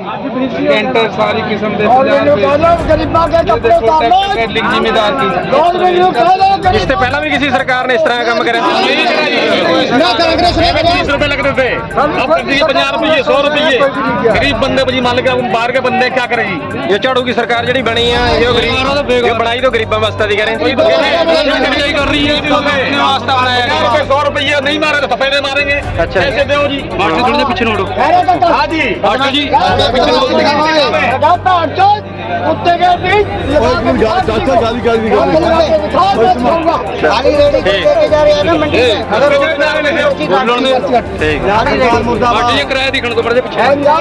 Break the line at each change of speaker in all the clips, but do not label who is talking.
Canter सारी किस्म के जिम्मेदार की
इससे पहला भी किसी सरकार ने इस तरह का काम करा? 20 रुपए लग रहे थे, अब कर दिए 50 रुपये 100 रुपये। गरीब बंदे मान के बाहर के बंदे क्या करेगी? ये झाड़ू की सरकार जी बनी है, ये बनाई तो गरीबों वास्ते दी करें कर रही है। 100 रुपये नहीं मारे तो पपेड़े मारेंगे। अच्छा ऐसे दो जी, मास्टर थोड़ा पीछे नोड़ो। हाँ जी मास्टर जी किराया दिखने को पड़े पीछे।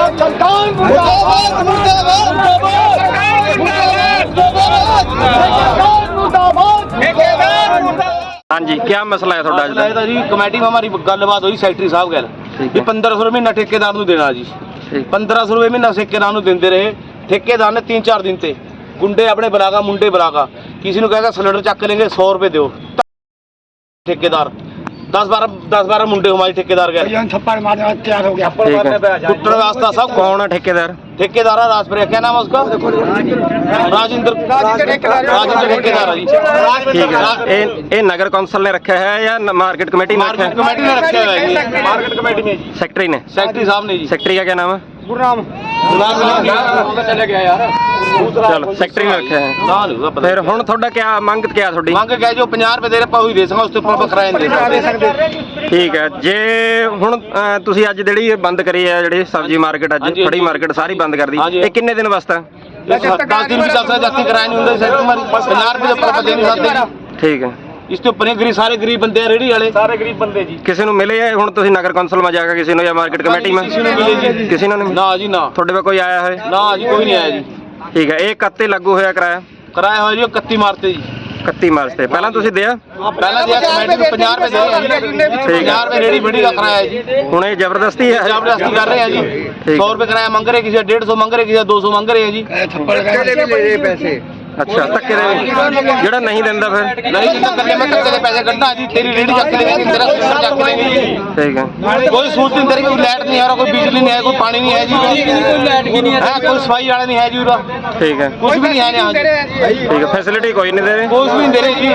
हाँ जी क्या मसला है थोड़ा
जी? कमेटी में हमारी गलबात हुई सैकटरी साहब गल भी 1500 रुपये महीना ठेकेदार को देना जी। 1500 रुपये महीना ठेकेदार को देंदे रहे। ठेकेदार ने 3-4 दिन से गुंडे अपने बुलागा मुंडे बुलागा किसी ने कहेगा सिलेंडर चक लेंगे 100 रुपये दो। ठेकेदार 10-12 मुंडे हमारे ठेकेदार गए थप्पड़ मारने तैयार हो गया। कुट्टन वास्ता सब
कौन है ठेकेदार?
ठेकेदार है राजपुर, क्या नाम है उसका? राजेंद्र ठेकेदार है जी।
ठीक है, ये नगर कौंसिल ने रखा है या मार्केट कमेटी ने रखा है?
कमेटी ने रखा है जी, मार्केट कमेटी में जी।
सेक्रेटरी ने?
सेक्रेटरी साहब ने जी।
सेक्रेटरी का क्या नाम है?
गुरनाम चले गया यार।
चलो सेक्रेटरी ने रखा है। फिर हुण थोड़ा क्या मंग क्या थोड़ी?
ਮੰਗ ਕੇ ਜੋ 50 ਰੁਪਏ ਦੇ ਰਹੇ ਆਪਾਂ ਉਹੀ ਦੇ ਸਕਾਂ, ਉਸ ਤੋਂ ਉੱਪਰ ਕਿਰਾਇਆ ਨਹੀਂ ਦੇ ਸਕਦੇ।
ਠੀਕ ਹੈ, ਜੇ ਹੁਣ ਤੁਸੀਂ ਅੱਜ ਜਿਹੜੀ ਇਹ ਬੰਦ ਕਰੀ ਹੈ ਜਿਹੜੀ ਸਬਜ਼ੀ ਮਾਰਕੀਟ ਅੱਜ ਫੜੀ ਮਾਰਕੀਟ ਸਾਰੀ ਬੰਦ ਕਰ ਦੀ, ਇਹ ਕਿੰਨੇ ਦਿਨ ਵਾਸਤੇ?
10 ਦਿਨ ਵੀ ਚੱਲ ਸਕਦਾ, ਜਾਤੀ ਕਿਰਾਇਆ ਨਹੀਂ ਹੁੰਦਾ ਸੈਕਟਰੀ ਮਾਰੀ 50 ਰੁਪਏ ਦੇ ਉੱਪਰ ਆਪਾਂ ਦੇ ਨਹੀਂ ਸਕਦੇ।
ਠੀਕ ਹੈ,
ਇਸ ਤੋਂ ਉੱਪਰ ਗਰੀਬ ਸਾਰੇ ਗਰੀਬ ਬੰਦੇ ਆ, ਰੇੜੀ ਵਾਲੇ ਸਾਰੇ ਗਰੀਬ ਬੰਦੇ ਜੀ।
ਕਿਸੇ ਨੂੰ ਮਿਲੇ ਹੈ ਹੁਣ ਤੁਸੀਂ ਨਗਰ ਕੌਂਸਲ में ਜਾ ਕੇ ਕਿਸੇ ਨੂੰ ਜਾਂ ਮਾਰਕੀਟ ਕਮੇਟੀ में?
ਕਿਸੇ ਨੂੰ ਮਿਲੇ ਜੀ?
ਕਿਸੇ ਨੂੰ ਨਹੀਂ?
ਨਾ ਜੀ ਨਾ।
ਤੁਹਾਡੇ ਕੋਲ ਕੋਈ ਆਇਆ ਹੈ?
ਨਾ ਜੀ ਕੋਈ ਨਹੀਂ ਆਇਆ ਜੀ।
ਠੀਕ ਹੈ, ਇਹ ਕੱਤੇ ਲੱਗੂ ਹੋਇਆ ਕਿਰਾਇਆ?
ਕਿਰਾਇਆ ਹੋਇਆ ਜੀ 31 ਮਾਰਚ ਤੇ ਜੀ।
31 ਮਾਰਚ ਤੇ ਪਹਿਲਾਂ ਤੁਸੀਂ ਦਿਆ?
ਪਹਿਲਾਂ ਦਿਆ ਕਮੇਟੀ ਨੂੰ 50 ਰੁਪਏ ਦੇ ਰਹੇ ਜੀ। 50 ਰੁਪਏ ਰੇੜੀ ਬੜੀ ਦਾ ਕਿਰਾਇਆ ਜੀ।
ਹੁਣ ਇਹ ਜ਼ਬਰਦਸਤੀ ਹੈ?
ਜ਼ਬਰਦਸਤੀ ਕਰ ਰਹੇ ਆ ਜੀ। 100 ਰੁਪਏ ਕਿਰਾਇਆ ਮੰਗ ਰਹੇ, ਕਿਸੇ 150 ਮੰਗ ਰਹੇ, ਕਿਸੇ 200 ਮੰਗ ਰਹੇ ਆ ਜੀ।
थप्पड़ ले पैसे
ਅੱਛਾ ਧੱਕੇ ਦੇ ਜਿਹੜਾ ਨਹੀਂ ਦਿੰਦਾ ਫਿਰ?
ਨਹੀਂ ਜਿੰਦਾ ਕਰਕੇ ਮੈਂ ਧੱਕੇ ਦੇ ਪੈਸੇ ਕੱਢਣਾ ਜੀ। ਤੇਰੀ ਰੇੜੀ ਚੱਕ ਲੈਂਗੇ, ਤੇਰਾ ਸਿਲੰਡਰ ਚੱਕ ਲੈਂਗੇ ਜੀ।
ਠੀਕ ਹੈ,
ਕੋਈ ਸੂਰਤ ਨਹੀਂ ਤੇਰੀ, ਕੋਈ ਲਾਈਟ ਨਹੀਂ ਹੈ, ਕੋਈ ਬਿਜਲੀ ਨਹੀਂ ਹੈ, ਕੋਈ ਪਾਣੀ ਨਹੀਂ ਹੈ ਜੀ। ਕੋਈ ਲਾਈਟ ਵੀ ਨਹੀਂ ਹੈ, ਕੋਈ ਸਫਾਈ ਵਾਲਾ ਨਹੀਂ ਹੈ ਜੀ ਉਰਾ।
ਠੀਕ ਹੈ,
ਕੁਝ ਵੀ ਨਹੀਂ ਹੈ यहाँ
ਠੀਕ ਹੈ, ਫੈਸਿਲਿਟੀ ਕੋਈ ਨਹੀਂ ਦੇ ਰਹੇ?
ਕੁਝ ਵੀ ਨਹੀਂ ਦੇ ਰਹੇ ਜੀ।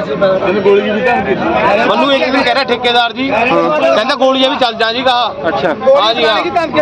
ਮੈਨੂੰ ਇੱਕ ਦਿਨ ਕਹਿ ਰਿਹਾ ਠੇਕੇਦਾਰ ਜੀ, ਕਹਿੰਦਾ ਗੋਲੀਆਂ ਵੀ ਚੱਲ ਜਾ ਜੀ ਕਹਾ।
ਅੱਛਾ
ਹਾਂ ਜੀ ਹਾਂ
ਠੀਕ ਹੈ,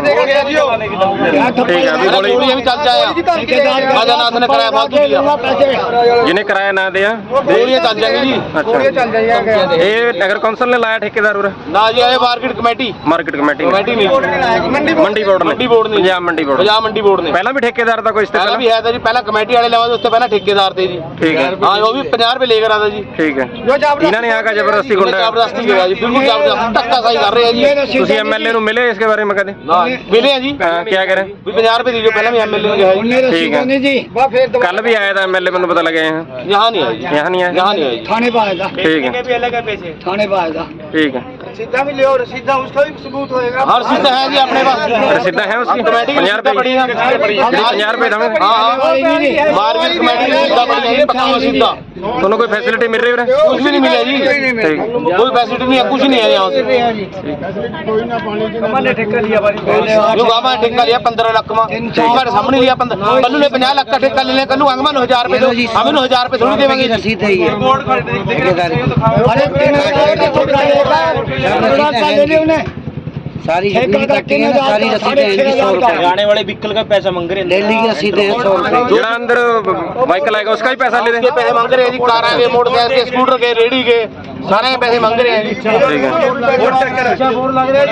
ਵੀ
ਗੋਲੀਆਂ ਵੀ ਚੱਲ ਜਾਇਆ। ਰਾਜਾਨਾਥ ਨੇ ਕਰਾਇਆ ਫਾਲਤੂ ਦਿਆ,
ਜਿਹਨੇ ਕਿਰਾਇਆ ਨਾ ਦਿਆ
ਗੋਲੀਆਂ ਚੱਲ ਜਾਣਗੇ ਜੀ।
ਅੱਛਾ ਇਹ ਨਗਰ ਕੌਂਸਲ ਨੇ ਲਾਇਆ ਠੇਕੇਦਾਰ ਉਰੇ?
ਨਾ ਜੀ ਇਹ ਮਾਰਕੀਟ ਕਮੇਟੀ
ਕਮੇਟੀ
ਨਹੀਂ
ਮੰਡੀ ਬੋਰਡ ਨੇ? ਪੰਜਾਬ ਮੰਡੀ ਬੋਰਡ
ਪਹਿਲਾਂ
ਵੀ ਠੇਕੇਦਾਰ ਦਾ ਕੋਈ
ਪਹਿਲਾਂ ਵੀ ਹੈ ਤਾਂ ਜੀ। ਪਹਿਲਾਂ ਕਮੇਟੀ ਵਾਲੇ ਲਵਾ ਉਸ ਤੋਂ ਪਹਿਲਾਂ ਠੇਕੇਦਾਰ ਤੇ ਜੀ।
ਠੀਕ ਹੈ,
ਹਾਂ ਉਹ ਵੀ 50 ਰੁਪਏ ਲੈ ਕੇ ਆਦਾ ਜੀ।
ਠੀਕ ਹੈ, ਇਹਨਾਂ ਨੇ ਆਕਾ ਜ਼ਬਰਦਸਤੀ ਗੁੰਡਾ
ਜ਼ਬਰਦਸਤੀ ਕੀਤਾ ਜੀ, ਬਿਲਕੁਲ ਜ਼ਬਰਦਸਤੀ ਧੱਕਾ ਸਾਈ ਕਰ ਰਹੇ ਆ ਜੀ।
ਤੁਸੀਂ ਐਮਐਲਏ ਨੂੰ ਮਿਲੇ इसके बारे में कदे?
मिले हैं जी।
क्या कह रहे हैं?
50 रुपए दीजिए, पहले भी एमएलए
ठीक है जी। कल भी आया था एमएलए, मैंने पता लगे हैं
यहाँ नहीं आया,
यहाँ नहीं आया,
यहाँ नहीं आया
थाने पे आएगा।
ठीक है,
भी अलग है पैसे थाने पे आएगा।
ठीक है,
सीधा भी ले और सीधा उसका भी सबूत होएगा।
हर सीधा है जी अपने पास।
सीधा है उसकी 50 रुपए
पड़ी है,
50 रुपए था।
हाँ मार्केट कमेटी सीधा पड़ी है, पक्का सीधा।
दोनों कोई फैसिलिटी मिल रही है?
कुछ भी नहीं मिला जी, कोई फैसिलिटी नहीं है, कुछ नहीं है यहाँ से।
ठेका लिया
जो गामा ठेका लिया 15 लाख में, हमारे सामने लिया 15। कल्लू ने 50 लाख का ठेका ले लिया, कल्लू अंगमा 1000 रुपए दो, हमें 1000 रुपए थोड़ी देंगे।
रसीद है ये सारी सारी रसीदें
आने वाले व्हीकल का पैसा मांग रहे हैं,
डेली की रसीदें 100 रुपए।
जो अंदर व्हीकल आएगा उसका भी पैसा ले रहे हैं?
पैसे मांग रहे हैं जी, कार के, मोटरसाइकिल के, स्कूटर के, रेडी के, सारे पैसे मांग रहे हैं जी।
ठीक है,
बोर्ड लग रहा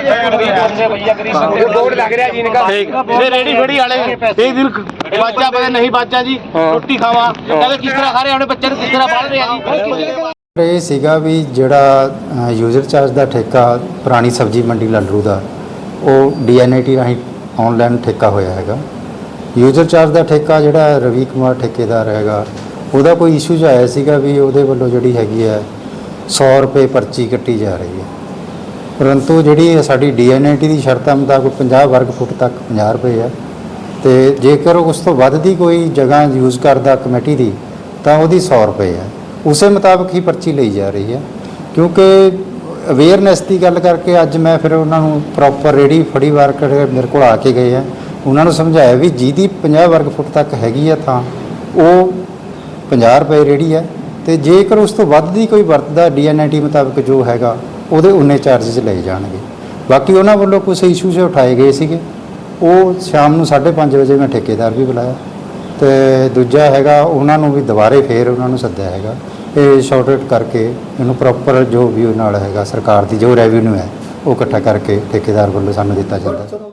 है जी इनका। ये रेडी फेडी वाले एक दिन बाजा पता नहीं बाजा जी रोटी खावा कहते किस तरह खा रहे हैं, अपने बच्चे किस तरह पाल रहे हैं जी।
ਇਹ ਸੀਗਾ ਵੀ ਜਿਹੜਾ ਯੂਜ਼ਰ ਚਾਰਜ ਦਾ ਠੇਕਾ ਪੁਰਾਣੀ ਸਬਜ਼ੀ ਮੰਡੀ ਲੱਲਰੂ ਦਾ ਉਹ DNAT ਰਾਹੀਂ ਆਨਲਾਈਨ ਠੇਕਾ ਹੋਇਆ ਹੈਗਾ। ਯੂਜ਼ਰ ਚਾਰਜ ਦਾ ਠੇਕਾ ਜਿਹੜਾ ਰਵੀ ਕੁਮਾਰ ਠੇਕੇਦਾਰ ਹੈਗਾ ਉਹਦਾ ਕੋਈ ਇਸ਼ੂ ਆਇਆ ਸੀਗਾ ਵੀ ਉਹਦੇ ਵੱਲੋਂ ਜਿਹੜੀ ਹੈਗੀ ਹੈ 100 ਰੁਪਏ ਪਰਚੀ ਕੱਟੀ ਜਾ ਰਹੀ ਹੈ, ਪਰੰਤੂ ਜਿਹੜੀ ਸਾਡੀ DNAT ਦੀ ਸ਼ਰਤਾਂ ਮੁਤਾਬਕ 50 ਵਰਗ ਫੁੱਟ ਤੱਕ 50 ਰੁਪਏ ਹੈ ਤੇ ਜੇਕਰ ਉਸ ਤੋਂ ਵੱਧ ਦੀ ਕੋਈ ਜਗ੍ਹਾ ਯੂਜ਼ ਕਰਦਾ ਕਮੇਟੀ ਦੀ ਤਾਂ ਉਹਦੀ 100 ਰੁਪਏ ਹੈ। ਉਸੇ ਮੁਤਾਬਕ ਹੀ ਪਰਚੀ ਲਈ ਜਾ ਰਹੀ ਹੈ। ਕਿਉਂਕਿ ਅਵੇਅਰਨੈਸ ਦੀ ਗੱਲ ਕਰਕੇ ਅੱਜ ਮੈਂ ਫਿਰ ਉਹਨਾਂ ਨੂੰ ਪ੍ਰੋਪਰ ਰੇੜੀ ਫੜੀ ਵਾਰ ਮੇਰੇ ਕੋਲ ਆ ਕੇ ਗਏ ਆ, ਉਹਨਾਂ ਨੂੰ ਸਮਝਾਇਆ ਵੀ ਜਿਹਦੀ 50 ਵਰਗ ਫੁੱਟ ਤੱਕ ਹੈਗੀ ਆ ਥਾਂ ਉਹ 50 ਰੁਪਏ ਰੇਹੜੀ ਹੈ, ਤੇ ਜੇਕਰ ਉਸ ਤੋਂ ਵੱਧ ਦੀ ਕੋਈ ਵਰਤਦਾ DNIT ਮੁਤਾਬਕ ਜੋ ਹੈਗਾ ਉਹਦੇ ਉਨੇ ਚਾਰਜਸ ਲਏ ਜਾਣਗੇ। ਬਾਕੀ ਉਹਨਾਂ ਵੱਲੋਂ ਕੁਝ ਇਸ਼ੂਜ਼ ਉਠਾਏ ਗਏ ਸੀਗੇ, ਉਹ ਸ਼ਾਮ ਨੂੰ 5:30 ਵਜੇ ਮੈਂ ਠੇਕੇਦਾਰ ਵੀ ਬੁਲਾਇਆ, ਤੇ ਦੂਜਾ ਹੈਗਾ ਉਹਨਾਂ ਨੂੰ ਵੀ ਦੁਬਾਰੇ ਫੇਰ ਉਹਨਾਂ ਨੂੰ ਸੱਦਿਆ ਹੈਗਾ ਇਹ ਸ਼ਾਰਟ ਆਊਟ ਕਰਕੇ ਇਹਨੂੰ ਪ੍ਰੋਪਰ ਜੋ ਵੀ ਉਹ ਨਾਲ ਹੈਗਾ ਸਰਕਾਰ ਦੀ ਜੋ ਰੈਵਨਿਊ ਹੈ ਉਹ ਇਕੱਠਾ ਕਰਕੇ ਠੇਕੇਦਾਰ ਵੱਲੋਂ ਸਾਨੂੰ ਦਿੱਤਾ ਜਾਂਦਾ।